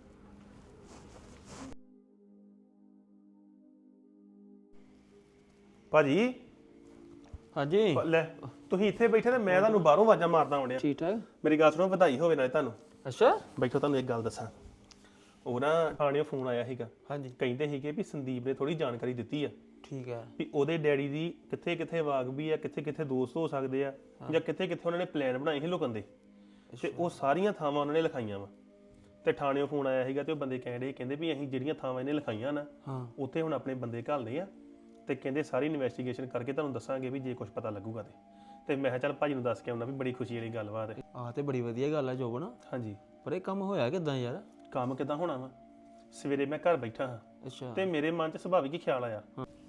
S6: ਭਾਜੀ
S9: ਹਾਂਜੀ
S6: ਲੈ, ਤੁਸੀਂ ਇੱਥੇ ਬੈਠੇ ਤੇ ਮੈਂ ਤੁਹਾਨੂੰ ਬਾਹਰੋਂ ਆਵਾਜ਼ਾਂ ਮਾਰਦਾ ਆਉਂਦਿਆ।
S9: ਠੀਕ ਠਾਕ।
S6: ਮੇਰੀ ਗੱਲ ਸੁਣੋ, ਵਧਾਈ ਹੋਵੇ ਨਾਲੇ ਤੁਹਾਨੂੰ।
S9: ਅੱਛਾ
S6: ਬੈਠੋ, ਤੁਹਾਨੂੰ ਇੱਕ ਗੱਲ ਦੱਸਾਂ। ਉਹ ਨਾ ਥਾਣਿਓਂ ਫੋਨ ਆਇਆ ਸੀਗਾ।
S9: ਹਾਂਜੀ
S6: ਕਹਿੰਦੇ ਸੀਗੇ ਵੀ ਸੰਦੀਪ ਨੇ ਥੋੜੀ ਜਾਣਕਾਰੀ ਦਿੱਤੀ ਆ
S9: ਠੀਕ ਹੈ।
S6: ਵੀ ਉਹਦੇ ਡੈਡੀ ਦੀ ਕਿੱਥੇ ਕਿੱਥੇ ਵਾਕਬੀ ਆ, ਕਿੱਥੇ ਕਿੱਥੇ ਦੋਸਤ ਹੋ ਸਕਦੇ ਆ, ਜਾਂ ਕਿੱਥੇ ਕਿੱਥੇ ਉਹਨਾਂ ਨੇ ਪਲਾਨ ਬਣਾਏ ਸੀ ਲੁਕਣ ਦੇ, ਤੇ ਉਹ ਸਾਰੀਆਂ ਥਾਵਾਂ ਉਹਨਾਂ ਨੇ ਲਿਖਾਈਆਂ ਵਾ। ਤੇ ਥਾਣਿਓਂ ਫੋਨ ਆਇਆ ਸੀਗਾ ਤੇ ਉਹ ਬੰਦੇ ਕਹਿੰਦੇ ਵੀ ਅਸੀਂ ਜਿਹੜੀਆਂ ਥਾਵਾਂ ਇਹਨੇ ਲਿਖਾਈਆਂ ਨਾ, ਉੱਥੇ ਹੁਣ ਆਪਣੇ ਬੰਦੇ ਘੱਲਦੇ ਆ ਤੇ ਕਹਿੰਦੇ ਸਾਰੀ ਇਨਵੈਸਟੀਗੇਸ਼ਨ ਕਰਕੇ ਤੁਹਾਨੂੰ ਦੱਸਾਂਗੇ ਵੀ ਜੇ ਕੁਝ ਪਤਾ ਲੱਗੂਗਾ ਤੇ ਮੈਂ ਕਿਹਾ ਚੱਲ ਭਾਜੀ ਨੂੰ ਦੱਸ ਕੇ ਆਉਣਾ ਵੀ ਬੜੀ ਖੁਸ਼ੀ ਵਾਲੀ ਗੱਲਬਾਤ ਹੈ।
S9: ਆਹ ਤੇ ਬੜੀ ਵਧੀਆ ਗੱਲ ਆ ਜੋਬਨ।
S6: ਹਾਂਜੀ।
S9: ਪਰ ਇਹ ਕੰਮ ਹੋਇਆ ਕਿਦਾਂ ਯਾਰ?
S6: ਕੰਮ ਕਿੱਦਾਂ ਹੋਣਾ ਵਾ? ਸਵੇਰੇ ਮੈਂ ਘਰ ਬੈਠਾ ਹਾਂ
S9: ਅੱਛਾ
S6: ਤੇ ਮੇਰੇ ਮਨ 'ਚ ਸੁਭਾਵਿਕ ਹੀ ਖਿਆਲ ਆਇਆ।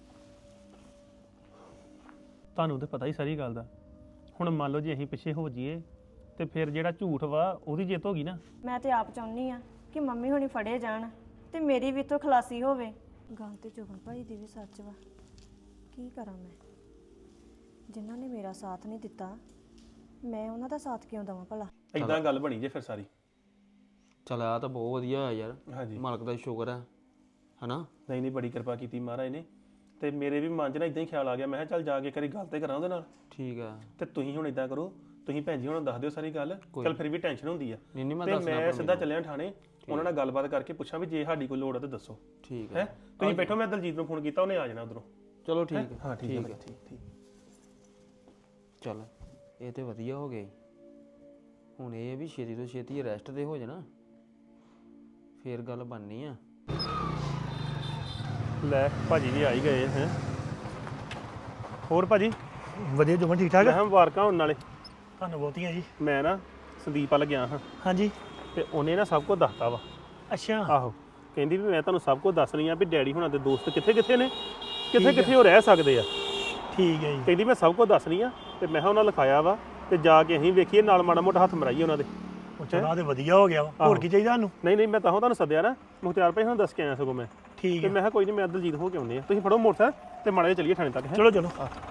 S6: ਤੁਹਾਨੂੰ ਤਾਂ ਪਤਾ ਹੀ ਸਾਰੀ ਗੱਲ ਦਾ। ਹੁਣ ਮੰਨ ਲਓ ਜੇ ਅਸੀਂ ਪਿੱਛੇ ਹੋ ਜਾਈਏ ਤੇ ਫਿਰ ਜਿਹੜਾ ਝੂਠ ਵਾ ਉਹਦੀ ਜਿੱਤ ਹੋ ਗਈ ਨਾ।
S8: ਮੈਂ ਤੇ ਆਪ ਚਾਹੁੰਦੀ ਆ ਕਿ ਮੰਮੀ ਹੁਣੀ ਫੜੇ ਜਾਣ ਤੇ ਮੇਰੀ ਵੀ ਤੋਂ ਖਲਾਸੀ ਹੋਵੇ। ਗੱਲ ਤੇ ਜੋਬਨ ਭਾਈ ਦੀ ਵੀ ਸੱਚ ਵਾ। ਕੀ ਕਰਾਂ ਮੈਂ? ਜਿਨ੍ਹਾਂ ਨੇ ਮੇਰਾ ਸਾਥ ਨਹੀਂ ਦਿੱਤਾ, ਮੈਂ ਉਹਨਾਂ ਦਾ ਸਾਥ ਕਿਉਂ ਦੇਵਾਂ ਭਲਾ?
S6: ਇਦਾਂ ਗੱਲ ਬਣੀ ਜੇ ਫਿਰ ਸਾਰੀ।
S9: ਚਲ ਆ ਤਾਂ ਬਹੁਤ ਵਧੀਆ ਹੋਇਆ ਯਾਰ।
S6: ਹਾਂਜੀ।
S9: ਮਾਲਕ ਦਾ ਸ਼ੁਕਰ ਹੈ ਹਨਾ।
S6: ਨਹੀਂ ਬੜੀ ਕਿਰਪਾ ਕੀਤੀ ਮਹਾਰਾਜ ਨੇ। ਤੇ ਮੇਰੇ ਵੀ ਮਨ 'ਚ ਨਾ ਇਦਾਂ ਹੀ ਖਿਆਲ ਆ ਗਿਆ। ਮੈਂ ਕਿਹਾ ਚੱਲ ਜਾ ਕੇ ਕਰੀ ਗੱਲ ਤੇ ਕਰਾਂ ਉਹਦੇ ਨਾਲ।
S9: ਠੀਕ ਆ।
S6: ਤੇ ਤੁਸੀਂ ਹੁਣ ਇਦਾਂ ਕਰੋ, ਤੁਸੀਂ ਭੈਣ ਜੀ ਹੁਣ ਦੱਸ ਦਿਓ ਸਾਰੀ ਗੱਲ। ਚੱਲ ਫਿਰ ਵੀ ਟੈਨਸ਼ਨ ਹੁੰਦੀ ਆ।
S9: ਨਹੀਂ ਮੈਂ
S6: ਤੇ
S9: ਦੱਸਣਾ
S6: ਮੈਂ ਸਿੱਧਾ ਚੱਲਿਆ ਥਾਣੇ, ਉਹਨਾਂ ਨਾਲ ਗੱਲਬਾਤ ਕਰਕੇ ਪੁੱਛਾਂ ਵੀ ਜੇ ਸਾਡੀ ਕੋਈ ਲੋੜ ਆ ਤਾਂ ਦੱਸੋ।
S9: ਠੀਕ
S6: ਹੈ।
S9: ਹੈ
S6: ਤੁਸੀਂ ਬੈਠੋ, ਮੈਂ ਦਲਜੀਤ ਨੂੰ ਫੋਨ ਕੀਤਾ, ਉਹਨੇ ਆ ਜਾਣਾ ਉਧਰੋਂ।
S9: ਚਲੋ ਠੀਕ ਹੈ।
S6: ਹਾਂ ਠੀਕ ਹੈ। ਠੀਕ
S9: ਚੱਲ ਇਹ ਤੇ ਵਧੀਆ ਹੋ ਗਈ। ਹੁਣ ਇਹ ਵੀ ਛੇਤੀ ਤੋਂ ਛੇਤੀ ਅਰੈਸਟ ਤੇ ਹੋ ਜਾਣਾ, ਫੇਰ ਗੱਲ ਬਣਨੀ ਆ।
S6: ਲੈ ਭਾਜੀ ਵੀ ਆ ਹੀ ਗਏ ਹੈ। ਹੋਰ ਭਾਜੀ
S10: ਵਧੀਆ ਜੁਮਨ ਠੀਕ ਠਾਕ?
S6: ਮੈਂ ਮੁਬਾਰਕਾਂ ਹੋਣ ਨਾਲੇ।
S10: ਤੁਹਾਨੂੰ ਬਹੁਤੀਆਂ ਜੀ।
S6: ਮੈਂ ਨਾ ਸੰਦੀਪ ਵੱਲ ਗਿਆ ਹਾਂ
S10: ਹਾਂਜੀ
S6: ਤੇ ਉਹਨੇ ਨਾ ਸਭ ਕੁਝ ਦੱਸਤਾ ਵਾ।
S10: ਅੱਛਾ
S6: ਆਹੋ ਕਹਿੰਦੀ ਵੀ ਮੈਂ ਤੁਹਾਨੂੰ ਸਭ ਕੁਝ ਦੱਸ ਰਹੀ ਆ ਵੀ ਡੈਡੀ ਹੁਣਾਂ ਦੇ ਦੋਸਤ ਕਿੱਥੇ ਕਿੱਥੇ ਨੇ, ਕਿੱਥੇ ਕਿੱਥੇ ਉਹ ਰਹਿ ਸਕਦੇ ਆ।
S10: ਠੀਕ ਹੈ ਜੀ।
S6: ਕਹਿੰਦੀ ਮੈਂ ਸਭ ਕੁਝ ਦੱਸ ਰਹੀ ਆ ਤੇ ਮੈਂ ਕਿਹਾ ਉਹਨਾਂ ਲਿਖਾਇਆ ਵਾ ਤੇ ਜਾ ਕੇ ਅਸੀਂ ਵੇਖੀਏ ਨਾਲ ਮਾੜਾ ਮੋਟਾ ਹੱਥ ਮਰਾਈਏ ਉਹਨਾਂ ਦੇ।
S10: ਉਹ ਚਲੋ ਤੇ ਵਧੀਆ ਹੋ ਗਿਆ ਵਾ। ਹੋਰ ਕੀ ਚਾਹੀਦਾ ਤੁਹਾਨੂੰ?
S6: ਨਹੀਂ ਮੈਂ ਤਾਂ ਤੁਹਾਨੂੰ ਸੱਦਿਆ ਨਾ, ਮੁਖਤਿਆਰ ਭਾਈ ਹੁਣ ਦੱਸ ਕੇ ਆਇਆ ਸਗੋਂ ਮੈਂ।
S10: ਠੀਕ
S6: ਤੇ
S10: ਹੈ
S6: ਮੈਂ ਕਿਹਾ ਕੋਈ ਨਹੀਂ ਮੈਂ ਦਲਜੀਤ ਹੋ ਕੇ ਆਉਂਦੇ ਆ, ਤੁਸੀਂ ਫੜੋ ਮੋਟਰਸਾਈਕਲ ਤੇ ਮਾੜਾ ਜਿਹਾ ਚੱਲੀਏ ਥਾਣੇ ਤੱਕ। ਹੈਂ?
S10: ਚਲੋ ਚਲੋ।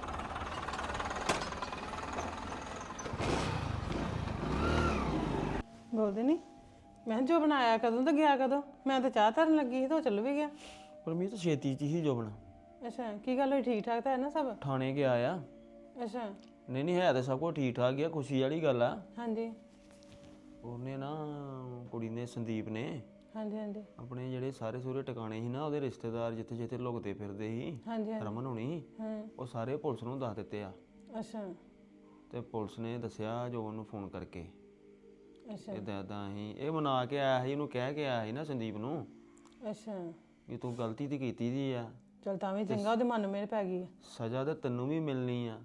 S11: ਬੋਲਦੇ ਨਹੀਂ। ਮੈਂ ਕਿਹਾ ਜੋ ਬਣਾਇਆ ਕਦੋਂ ਤੇ ਗਿਆ ਕਦੋਂ? ਮੈਂ ਤਾਂ ਚਾਹ ਧਰਨ ਲੱਗੀ ਸੀ ਤੇ ਉਹ ਚੱਲ ਵੀ ਗਿਆ।
S9: ਪਰਮੀਤ ਛੇਤੀ ਚ ਹੀ ਜੋਬਨ
S11: ਅੱਛਾ ਕੀ ਗੱਲ ਹੋਈ? ਠੀਕ ਠਾਕ ਤਾਂ ਹੈ ਨਾ ਸਭ?
S9: ਥਾਣੇ ਗਿਆ ਆ।
S11: ਅੱਛਾ
S9: ਨਹੀਂ ਹੈ ਤੇ ਸਭ ਕੁਝ ਠੀਕ ਠਾਕ ਹੀ ਆ, ਖੁਸ਼ੀ ਵਾਲੀ ਗੱਲ ਆ।
S11: ਹਾਂਜੀ
S9: ਉਹਨੇ ਨਾ ਕੁੜੀ ਨੇ ਸੰਦੀਪ ਨੇ
S11: ਹਾਂਜੀ ਹਾਂਜੀ
S9: ਆਪਣੇ ਜਿਹੜੇ ਸਾਰੇ ਸੂਰੇ ਟਿਕਾਣੇ ਸੀ ਨਾ, ਉਹਦੇ ਰਿਸ਼ਤੇਦਾਰ ਜਿੱਥੇ ਜਿੱਥੇ ਲੁਕਦੇ ਫਿਰਦੇ ਸੀ
S11: ਹਾਂਜੀ
S9: ਰਮਨ ਹੋਣੀ,
S11: ਹਾਂ
S9: ਉਹ ਸਾਰੇ ਪੁਲਿਸ ਨੂੰ ਦੱਸ ਦਿੱਤੇ ਆ।
S11: ਅੱਛਾ
S9: ਤੇ ਪੁਲਿਸ ਨੇ ਦੱਸਿਆ ਜੋ ਉਹਨੂੰ ਫੋਨ ਕਰਕੇ
S11: ਅੱਛਾ
S9: ਇਦਾਂ ਅਸੀਂ ਇਹ ਮਨਾ ਕੇ ਆਇਆ ਸੀ, ਉਹਨੂੰ ਕਹਿ ਕੇ ਆਇਆ ਸੀ ਨਾ ਸੰਦੀਪ ਨੂੰ
S11: ਅੱਛਾ
S9: ਵੀ ਤੂੰ ਗਲਤੀ ਤੇ ਕੀਤੀ ਦੀ ਆ,
S11: ਚਲ ਤਾਂ ਵੀ ਚੰਗਾ ਉਹਦੇ ਮਨ ਮੇਰੇ ਪੈ ਗਈ।
S9: ਸਜ਼ਾ ਤੇ ਤੈਨੂੰ ਵੀ ਮਿਲਣੀ ਆ।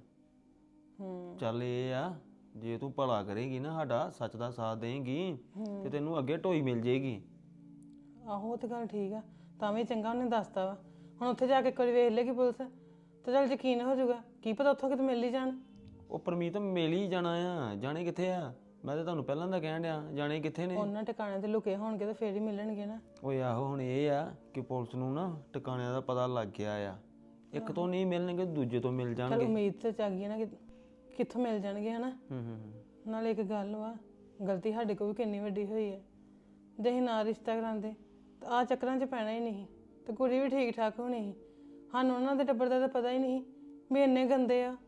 S9: ਚੱਲ ਇਹ ਆ ਜੇ ਤੂੰ ਭਲਾ ਕਰੇਗੀ ਨਾ, ਸਾਡਾ ਸੱਚ ਦਾ ਸਾਥ ਦੇਂਗੀ ਤੇ ਤੈਨੂੰ ਅੱਗੇ ਢੋਈ ਮਿਲ ਜੇਗੀ।
S11: ਆਹੋ ਉਹ ਤਾਂ ਗੱਲ ਠੀਕ ਆ, ਤਾਂ ਵੀ ਚੰਗਾ ਉਹਨੇ ਦੱਸਤਾ ਵਾ। ਹੁਣ ਉੱਥੇ ਜਾ ਕੇ ਕੋਈ ਵੇਖ ਲੇਗੀ ਪੁਲਿਸ ਤੇ ਚੱਲ ਯਕੀਨ ਹੋ ਜਾਊਗਾ, ਕੀ ਪਤਾ ਉੱਥੋਂ ਕਿਤੇ ਮਿਲ ਹੀ ਜਾਣ।
S9: ਉਹ ਪਰਮੀਤ ਮਿਲ ਹੀ ਜਾਣਾ ਆ, ਜਾਣੇ ਕਿੱਥੇ ਆ? ਮੈਂ ਤਾਂ ਤੁਹਾਨੂੰ ਪਹਿਲਾਂ ਦਾ ਕਹਿਣ ਡਿਆ, ਜਾਣੇ ਕਿੱਥੇ ਨੇ?
S11: ਉਹਨਾਂ ਟਿਕਾਣਿਆਂ ਤੇ ਲੁਕੇ ਹੋਣਗੇ ਤੇ ਫੇਰ ਹੀ ਮਿਲਣਗੇ ਨਾ।
S9: ਓਏ ਆਹੋ ਹੁਣ ਇਹ ਆ ਕਿ ਪੁਲਿਸ ਨੂੰ ਨਾ ਟਿਕਾਣਿਆਂ ਦਾ ਪਤਾ ਲੱਗ ਗਿਆ ਆ, ਇੱਕ ਤੋਂ ਨਹੀਂ ਮਿਲਣਗੇ ਦੂਜੇ ਤੋਂ ਮਿਲ
S11: ਚਲ
S9: ਜਾਣਗੇ।
S11: ਉਮੀਦ ਤੇ ਜਾਗੀ ਆ ਨਾ ਕਿ ਕਿੱਥੋਂ ਮਿਲ ਜਾਣਗੇ ਹਨਾ। ਨਾਲੇ ਇੱਕ ਗੱਲ ਵਾ, ਗਲਤੀ ਸਾਡੇ ਕੋਲ ਵੀ ਕਿੰਨੀ ਵੱਡੀ ਹੋਈ ਹੈ। ਜੇ ਅਸੀਂ ਨਾ ਰਿਸ਼ਤਾ ਕਰਾਉਂਦੇ ਤਾਂ ਆਹ ਚੱਕਰਾਂ 'ਚ ਪੈਣਾ ਹੀ ਨਹੀਂ ਤੇ ਕੁੜੀ ਵੀ ਠੀਕ ਠਾਕ ਹੋਣੀ ਸੀ। ਸਾਨੂੰ ਉਹਨਾਂ ਦੇ ਟੱਬਰ ਦਾ ਤਾਂ ਪਤਾ ਹੀ ਨਹੀਂ ਵੀ ਇੰਨੇ ਗੰਦੇ ਆ।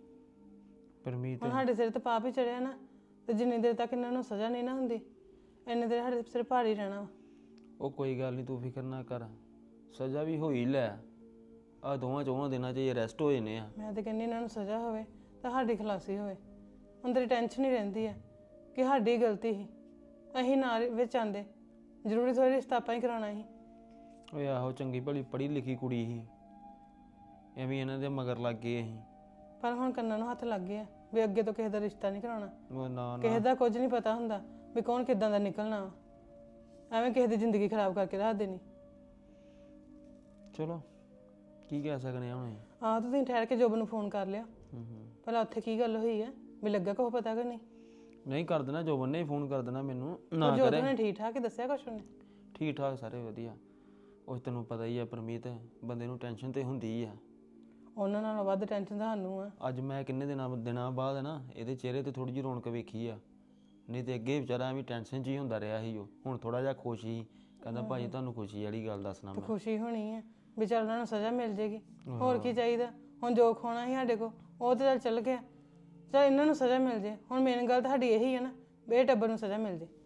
S9: ਪਰਮੀਤ
S11: ਹੁਣ ਸਾਡੇ ਸਿਰ ਤੇ ਪਾਪ ਹੀ ਚੜਿਆ ਨਾ, ਤੇ ਜਿੰਨੀ ਦੇਰ ਤੱਕ ਇਹਨਾਂ ਨੂੰ ਸਜ਼ਾ ਨਹੀਂ ਨਾ ਹੁੰਦੀ ਇੰਨੇ ਦੇਰ ਸਾਡੇ ਸਿਰ ਭਾਰੀ ਰਹਿਣਾ ਵਾ।
S9: ਉਹ ਕੋਈ ਗੱਲ ਨਹੀਂ, ਤੂੰ ਫਿਕਰ ਨਾ ਕਰ, ਸਜ਼ਾ ਵੀ ਹੋਈ ਲੈ। ਆ ਦੋਵਾਂ ਚੋਵਾਂ ਦਿਨਾਂ 'ਚ ਅਰੈਸਟ ਹੋ ਜਾਣੇ ਆ।
S11: ਮੈਂ ਤਾਂ ਕਹਿੰਦੀ ਇਹਨਾਂ ਨੂੰ ਸਜ਼ਾ ਹੋਵੇ ਤਾਂ ਸਾਡੀ ਖਲਾਸੀ ਹੋਵੇ। ਅੰਦਰ ਟੈਨਸ਼ਨ ਹੀ ਰਹਿੰਦੀ ਹੈ ਕਿ ਸਾਡੀ ਗਲਤੀ ਸੀ, ਅਸੀਂ ਨਾ ਵਿੱਚ ਆਂਦੇ। ਜ਼ਰੂਰੀ ਥੋੜੀ ਰਿਸ਼ਤਾ ਆਪਾਂ ਹੀ ਕਰਾਉਣਾ ਸੀ।
S9: ਓਏ ਆਹੋ ਚੰਗੀ ਭਲੀ ਪੜ੍ਹੀ ਲਿਖੀ ਕੁੜੀ ਸੀ, ਐਵੇਂ ਇਹਨਾਂ ਦੇ ਮਗਰ ਲੱਗ ਗਏ ਅਸੀਂ।
S11: ਪਰ ਹੁਣ ਕੰਨਾਂ ਨੂੰ ਹੱਥ ਲੱਗ ਗਿਆ ਵੀ ਅੱਗੇ ਤੋਂ ਕਿਸੇ ਦਾ ਰਿਸ਼ਤਾ ਨਹੀਂ ਕਰਾਉਣਾ।
S9: ਉਹ ਨਾ
S11: ਕਿਸੇ ਦਾ ਕੁਝ ਨਹੀਂ ਪਤਾ ਹੁੰਦਾ ਵੀ ਕੌਣ ਕਿੱਦਾਂ ਦਾ ਨਿਕਲਣਾ ਵਾ। ਐਵੇਂ ਕਿਸੇ ਦੀ ਜ਼ਿੰਦਗੀ ਖਰਾਬ ਕਰਕੇ ਰੱਖ ਦੇਣੀ।
S9: ਚਲੋ ਕੀ ਕਹਿ ਸਕਦੇ ਆ ਹੁਣ।
S11: ਆਹ ਤੁਸੀਂ ਠਹਿਰ ਕੇ ਜੋਬ ਨੂੰ ਫੋਨ ਕਰ ਲਿਆ ਭਲਾ ਉੱਥੇ ਕੀ ਗੱਲ ਹੋਈ ਹੈ, ਵੀ ਲੱਗਾ ਕੋ ਪਤਾ ਕਿ ਨਹੀਂ?
S9: ਨਹੀਂ ਕਰ ਦੇਣਾ, ਜੋਬਨ ਨੇ ਫੋਨ ਕਰ ਦੇਣਾ ਮੈਨੂੰ। ਨਾ
S11: ਜੋਬ
S9: ਕਰੇ
S11: ਨੇ ਠੀਕ ਠਾਕ ਹੀ ਦੱਸਿਆ ਕੁਛ ਉਹਨੇ?
S9: ਠੀਕ ਠਾਕ ਸਾਰੇ ਵਧੀਆ। ਉਹ ਤੈਨੂੰ ਪਤਾ ਹੀ ਆ ਪਰਮੀਤ, ਬੰਦੇ ਨੂੰ ਟੈਨਸ਼ਨ ਤੇ ਹੁੰਦੀ ਆ।
S11: ਉਹਨਾਂ ਨਾਲੋਂ ਵੱਧ ਟੈਨਸ਼ਨ ਤਾਂ ਸਾਨੂੰ ਆ।
S9: ਅੱਜ ਮੈਂ ਕਿੰਨੇ ਦਿਨਾਂ ਬਾਅਦ ਨਾ ਇਹਦੇ ਚਿਹਰੇ ਤੇ ਥੋੜੀ ਜਿਹੀ ਰੌਣਕ ਵੇਖੀ ਆ, ਨਹੀਂ ਤੇ ਅੱਗੇ ਵਿਚਾਰਾ ਐਵੇਂ ਟੈਨਸ਼ਨ 'ਚ ਹੀ ਹੁੰਦਾ ਰਿਹਾ ਸੀ। ਉਹ ਹੁਣ ਥੋੜਾ ਜਿਹਾ ਖੁਸ਼ ਸੀ, ਕਹਿੰਦਾ ਭਾਜੀ ਤੁਹਾਨੂੰ ਖੁਸ਼ੀ ਵਾਲੀ ਗੱਲ ਦੱਸਣਾ
S11: ਤੇ
S9: ਮੈਂ।
S11: ਖੁਸ਼ੀ ਹੋਣੀ ਹੈ ਵੀ ਚੱਲ ਉਹਨਾਂ ਨੂੰ ਸਜ਼ਾ ਮਿਲ ਜੇਗੀ, ਹੋਰ ਕੀ ਚਾਹੀਦਾ। ਹੁਣ ਜੋ ਖੋਣਾ ਸੀ ਸਾਡੇ ਕੋਲ ਉਹ ਤਾਂ ਚੱਲ ਗਿਆ। ਚੱਲ ਇਹਨਾਂ ਨੂੰ ਸਜ਼ਾ ਮਿਲ ਜੇ। ਹੁਣ ਮੇਨ ਗੱਲ ਤਾਂ ਸਾਡੀ ਇਹੀ ਹੈ ਨਾ ਵੀ ਇਹ ਟੱਬਰ ਨੂੰ ਸਜ਼ਾ ਮਿਲ ਜੇ।